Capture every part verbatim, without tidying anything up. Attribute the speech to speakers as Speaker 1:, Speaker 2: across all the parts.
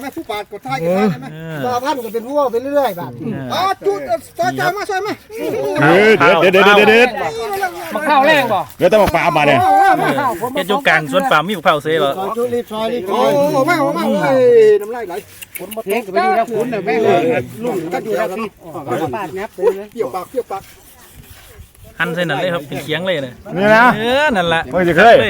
Speaker 1: แม่ผู้ปาดกดท้ายกันได้ไหมต่อพันก็เป็นผู้ไปเรื่อยๆแบบอ๋อจุดต่อใจมาช่วยไหม
Speaker 2: เด็ดเด็ดเด็ดเด็ด
Speaker 3: มะพร้าวแรงบ่
Speaker 2: เดี๋ยวต้องมาปลามาเนี่ย
Speaker 4: เฮ็ดอยู่กลางสวนปาล์มมีมะพร้าวเซ่เหรอ
Speaker 1: จุดรีบซอยรีบโอ้โหแม่โอ้แม่โอ้ยน้ำลายไหลคนมาเทงก็ไปอยู่แล้วคุณเนี่ยแม่เลยลุงก็อยู่แล้วพี่ปาดงับเลยเกี่ยวปากเกี่ยวปาก
Speaker 4: หั่นใส่นั่นเลยครับเป็นเคียงเลยเนี่ย
Speaker 2: นี่นะ
Speaker 4: เออนั่นแหละ
Speaker 2: ไม่จะเคย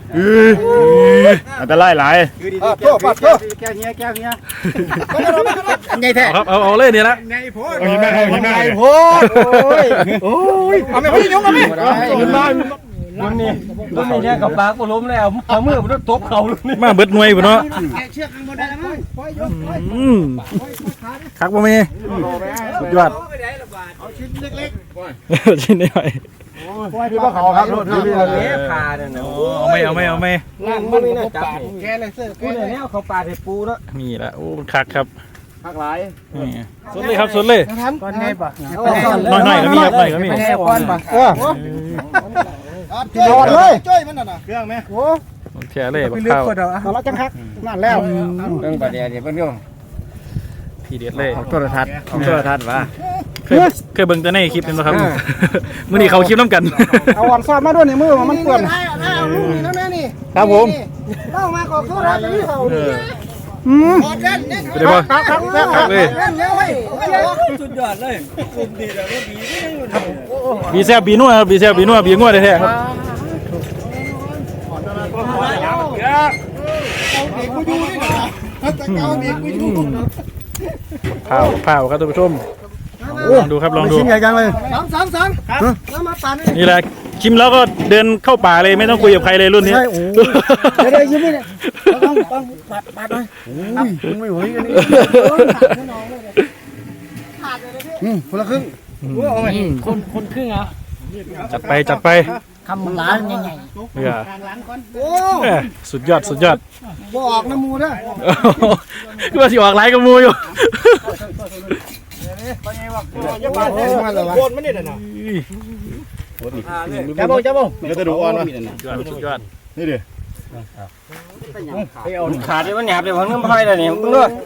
Speaker 2: อันตรายหลาย
Speaker 1: โทษปาดโทษแก้วเงี้ยแก้วเงี้ยไงแท้
Speaker 4: ครับเอาเอาเลยเนี่ยละ
Speaker 1: ไงโพด
Speaker 2: เอาหินได้เอาหินได้
Speaker 1: โพดโอ้ยโอ้ยเอาไม่พี่ยกเอาไม่
Speaker 3: มันบ้านมันนี่มันนี่เนี่ยกับปากก็ล้มแล้วเอามือมันตบเข่าเลยนี่
Speaker 4: มาเบิดหน่วยพุ่นเนาะ
Speaker 1: เชือกมันได้มั้ยปล่อยยกปล่อย
Speaker 4: อืมคักบ่มีสุดยอด
Speaker 1: เอาชิ้นเล็ก
Speaker 4: ๆชิ้นน้อย
Speaker 2: พี่ว่าเขาครับรถพี่
Speaker 3: เนี่ยพาเนี่ยเนาะ
Speaker 4: เอาไม่เอาไม่เอาไม่
Speaker 3: ล่างมันน่ะจับแกเลยเสื้อกูเนี่ยเขาปาดให้ปูเนาะ
Speaker 4: มีละโอ้คักครับ
Speaker 1: คักหลาย
Speaker 4: นี่สุดเลยครับสุดเลย
Speaker 3: ก้อนไงบ่
Speaker 4: น้อยๆก็มีครับน้อยก็มี
Speaker 3: แก้วก้อนบ่
Speaker 1: เออกินรอดเลยจ้อยมันน่ะเครื่องไหมโอ้
Speaker 4: แช่เลยบักข้าว
Speaker 1: ตอนละจังคักนั่นแล้ว
Speaker 3: เรื่องประเดี๋ยวเดี๋ยวเพิ่นอยู่
Speaker 4: ทีเด็ดเลย
Speaker 3: โทรทัศน์โทรทัศน์ว่า
Speaker 4: เคยเคยเบิ่งแต่ในคลิปนี่บ่ครับมื้อนี้เขาคลิปน้ำกัน
Speaker 1: เอาอ่อนซอดมาด้วยในมือมันเปื้อนเอาลูกนี่นะแม่นี่
Speaker 4: ครับผม
Speaker 1: เล่ามาขอโทษนะนี่เขาอืมเล่นเล่น
Speaker 4: ไปได้บ่
Speaker 1: ครับครับครับเลย
Speaker 3: สุดยอดเลยกลุ่มดีแล้วก็ดี
Speaker 4: บีแซ่บบีนัวครับบีแซ่บบีนัวบีงัวแท้ๆครับข้าวข้าวครับท่านผู้ชมลองดูครับลองดู
Speaker 1: ชิ้นใหญ่จังเลยสามสามสามแล้วมาปั่น
Speaker 4: นี่แหละชิมแล้วก็เดินเข้าป่าเลยไม่ต้องคุยกับใครเลยรุ่นนี้
Speaker 1: ใช่โอ้เดี๋ยวเดี๋ยวยิ้มนี่ต้องต้องปัดปัดหน่อยโอ้ยคุณไม่ไหวกันนี่ขาดเลยพี่อืมคนละครึ่ง
Speaker 3: คนคนครึ่งเหรอ
Speaker 4: จัดไปจัดไป
Speaker 3: คำล้านใหญ่
Speaker 4: ๆเนี่ยโอ้สุดยอดสุดยอด
Speaker 1: บ่ออกน้ำมูนะ
Speaker 4: ก็ว่าสิออกไลน์กับมูอยู่
Speaker 1: โคนไม่ได้น่ะจับบ่จับบ่
Speaker 2: เดี๋ยวจะดูอ่อนวะ
Speaker 4: สุดยอด
Speaker 2: นี่ดิ
Speaker 3: ขาดเลยมันหยาบเลยมันไม่ค่อยเลยนี่มึงด้วย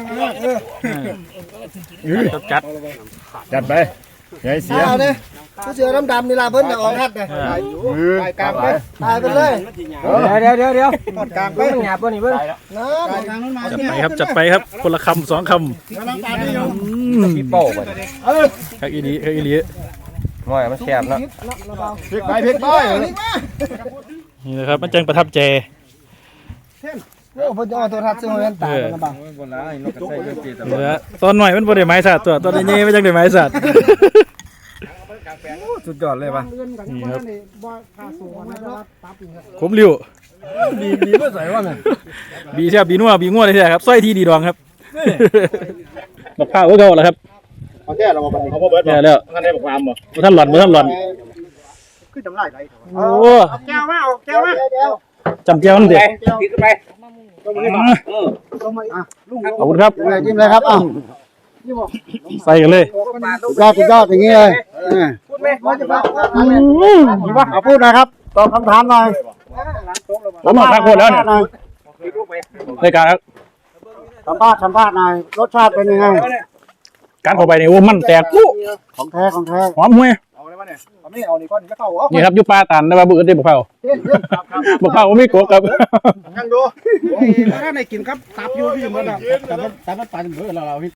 Speaker 4: จัด
Speaker 2: จัดไปอย่าให้เสีย
Speaker 1: เนี่ยผู้เสือดำๆนี่ลาเบิ้ลเนี่ยออกทัดเลยตายกลางไปตายไปเลย
Speaker 3: เดี๋ยวเดี๋ยวเดี๋ยวปอดกลางไปมันหยาบป่ะนี่เบิ้ล
Speaker 4: จัดไปครับจัดไปครับคนละคำสองคำ
Speaker 3: พี่โป้ไป
Speaker 4: คักอีดีคักอีดี
Speaker 3: ง่อยมันแคบเนาะ
Speaker 2: พลิกไปพลิกไป
Speaker 4: นี่นะครับมันจังประทับใจ
Speaker 1: โอ้พอจะเอาตัวทัดซึ่งมันตายนะบ้าง
Speaker 4: เหลือตอนหน่อยมันบ่ได้ไม้สัตว์ตัวตอนนี้ไม่จังได้ไม้สัตว์
Speaker 3: สุดยอดเลยป่ะ
Speaker 4: นี่ครับขมริ้ว
Speaker 3: บีบีไม่ใส่ว่าไง
Speaker 4: บีใช่บีนัวบีงัวเลยใช่ครับสร้อยที่ดีดองครับบักข้าวก็เก่าแล้วครับ
Speaker 2: เอาแค่เราเอาเขาเบิร์ด
Speaker 4: แล้ว
Speaker 2: ท่านได้บอกความบ่
Speaker 4: ท่านหล่อนท่านหล่อน
Speaker 1: ขึ้นจำไรไร
Speaker 4: โอ้
Speaker 1: แก้วมาแก้วมา
Speaker 4: จำเจ้ามันเด็ก
Speaker 3: กินไป
Speaker 4: ขอบคุณครับ
Speaker 1: จิ้มเลยครับอ้าว
Speaker 4: ใส่กันเลย
Speaker 1: ยอดยอดอย่างนี้เลยพูดไหมว่าจะบอกว่าเอาพูดนะครับตอบคำถามหน่อย
Speaker 4: ผมมาทักคนแล้วเนี่ยในการ
Speaker 1: สัมภาษณ์สัมภาษณ์หน่อยรสชาติเป็นยังไง
Speaker 4: การเข้าไปในโอ้มันแตกปุ๊
Speaker 1: ของแท้ของแท้
Speaker 4: หอมห่วยนี่ครับยุปลาตันนะว่าบุกได้บุกเผาบุกเผาไม่โกกับ
Speaker 1: ยังดูถ้าในกินครับตับอยู่พี่เหมือนกันแต่มันแต่มันตันเหมือนเรา